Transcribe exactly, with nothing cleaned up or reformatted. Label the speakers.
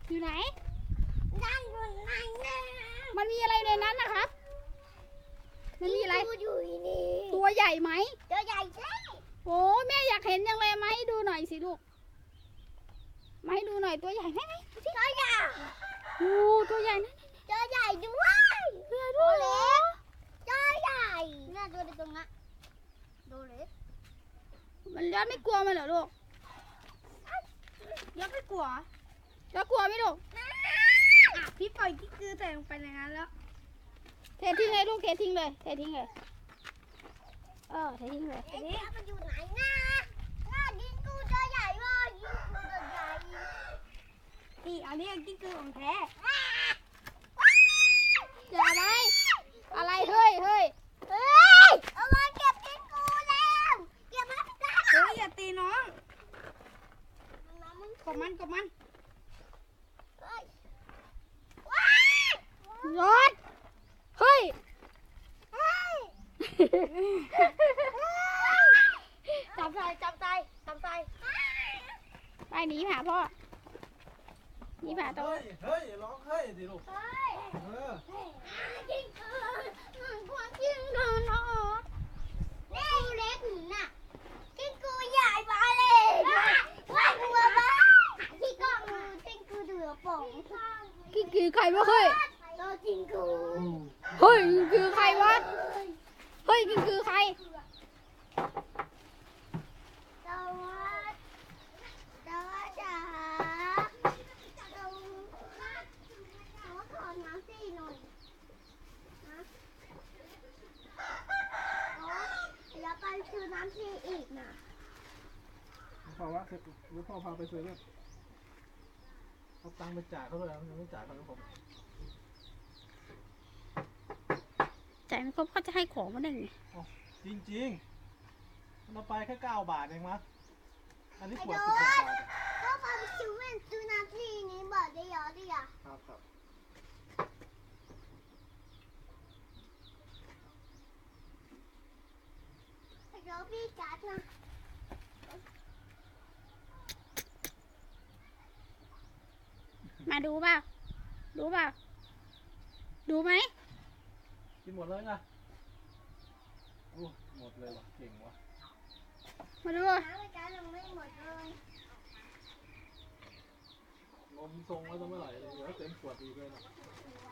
Speaker 1: อยู่ไหน
Speaker 2: นั่นอยู่ไหนนะ
Speaker 1: มันมีอะไรในนั้นนะครับมันมีอะไร
Speaker 2: อยู่นี่
Speaker 1: ตัวใหญ่ไหม
Speaker 2: ตัวใหญ่ใช่
Speaker 1: โอ้แม่อยากเห็นยังเลยไหมดูหน่อยสิลูกมาให้ดูหน่อยตัวใหญ่ไหมไหม
Speaker 2: ตัวใหญ่
Speaker 1: โอ้ตัวใหญ่นะ
Speaker 2: ตัวใหญ่ด้วย
Speaker 1: ตัวใหญ่ด้วยเหรอ
Speaker 2: ตัวใหญ่น่าดูในตรงนั้นดูเลย
Speaker 1: มันยอดไม่กลัวมันเหรอลูกยอดไม่กลัวยอดกลัวไหมลูก
Speaker 2: พี่ปล่อยที่คือใส่ลงไปในนั้นแล้ว
Speaker 1: เททิ้งเลยลูกเททิ้งเลยเททิ้งเลยเออเททิ้งเลย
Speaker 2: เอ๊ะมันอยู่ไหนนะน่ากินกูตัวใหญ่ว่ะกินกูตัวใหญ่
Speaker 1: นี่อันนี้กินคือของแท้อย่าไหมอะไรเฮ้ยเฮ้ย
Speaker 2: เฮ้ยเอามาเก็บกินกูแล้วเก็บมาได้
Speaker 1: เฮ้ยอย่าตีน้องกบมันกบมันรถเฮ้ย
Speaker 2: จับใจจับใจจับใจ
Speaker 1: ไปหนีหาพ่อหนีหาโต๊ะ
Speaker 3: เฮ้ยร้องเฮ้ยดิลูก
Speaker 2: เฮ้ย
Speaker 3: เออ
Speaker 2: กินกูมันควรกินกูเนาะนี่เล็กหนูน่ะกินกูใหญ่ไปเลยว่ากูบ้าที่กล้องกินกูเดือป่อง
Speaker 1: กินคือใครวะเฮ้ย
Speaker 2: ก็กินกู
Speaker 1: เฮ้ยกินคือใครวะเฮ้ยกินคือใคร
Speaker 2: สวัสดีจ้าเราขอน้ำสิหน่อยนะแล้วไปซื้อน้ำสิอีกนะ
Speaker 3: พ่อว่าเคยรู้พ่อพาไปซื้อเนี่ยเขาตังไปจ่ายเขาเลยยังไม่จ่ายเขาเลยผม
Speaker 1: จ่ายไม่ครบเขาจะให้ของมาได้ไง
Speaker 3: จริงจริงเราไปแค่เก้าบาทเองมั้งอันนี้ขวดสิบหกบาท
Speaker 2: ก็พาไปซื้อเว้นซื้อน้ำสินี่บอกได้ยอได้ยอ
Speaker 3: ครับครับ
Speaker 2: เดี๋ยวพี่จัดนะ
Speaker 1: มาดูเปล่าดูเปล่าดูไหม
Speaker 3: กินหมดเลยนะโอ้หมดเลยว่ะเก่งว่ะ
Speaker 1: มาดู
Speaker 2: น้ำไปจัดยังไม่หมดเลย
Speaker 3: นมทรงไว้ตั้งเมื่อไหร่เลยเดี๋ยวเต็มขวดอีกเลยนะ